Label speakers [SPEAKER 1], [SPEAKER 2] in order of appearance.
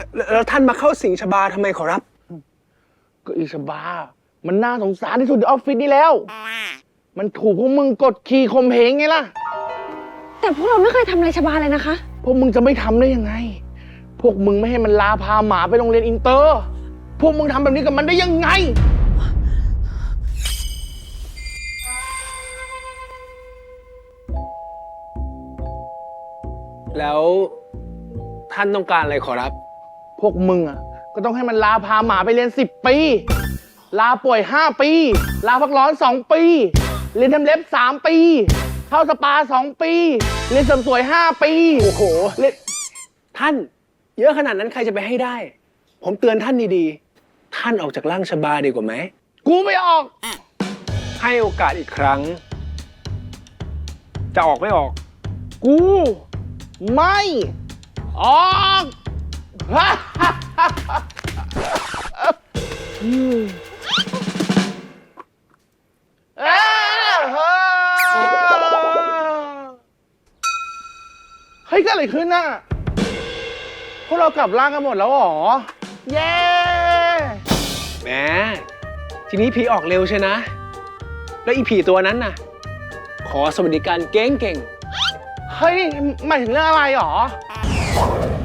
[SPEAKER 1] แล้วท่านมาเข้าสิงชบาทำไมขอรับ
[SPEAKER 2] ก็อีชบามันน่าสงสารที่สุดในออฟฟิศนี่แล้วมันถูกพวกมึงกดขี่ข่มเหงไงล่ะ
[SPEAKER 3] แต่พวกเราไม่เคยทำอะไรชบาเลยนะคะ
[SPEAKER 2] พวกมึงจะไม่ทำได้ยังไงพวกมึงไม่ให้มันลาพาหมาไปโรงเรียนอินเตอร์พวกมึงทำแบบนี้กับมันได้ยังไง
[SPEAKER 1] แล้วท่านต้องการอะไรขอรับ
[SPEAKER 2] พวกมึงอ่ะก็ต้องให้มันลาพาหมาไปเรียน10 ปีลาป่วย5 ปีลาพักร้อน2 ปีเรียนทำเล็บ3 ปีเข้าสปา2 ปีเรียนเสริมสวย5 ปี
[SPEAKER 1] โอ้โหท่านเยอะขนาดนั้นใครจะไปให้ได้ผมเตือนท่านดีๆท่านออกจากร่างชบาดีกว่าไหม
[SPEAKER 2] กูไม่ออก
[SPEAKER 1] ให้โอกาสอีกครั้งจะออกไม่ออก
[SPEAKER 2] กูไม่ออกเฮ้ยเกิดอะไรขึ้นน่ะพวกเรากลับร่างกันหมดแล้วหรอเย้
[SPEAKER 1] แหมทีนี้ผีออกเร็วใช่นะแล้วอีผีตัวนั้นน่ะขอสวัสดิการเก่งๆ
[SPEAKER 2] เฮ้ยหมายถึงเรื่องอะไรหรอ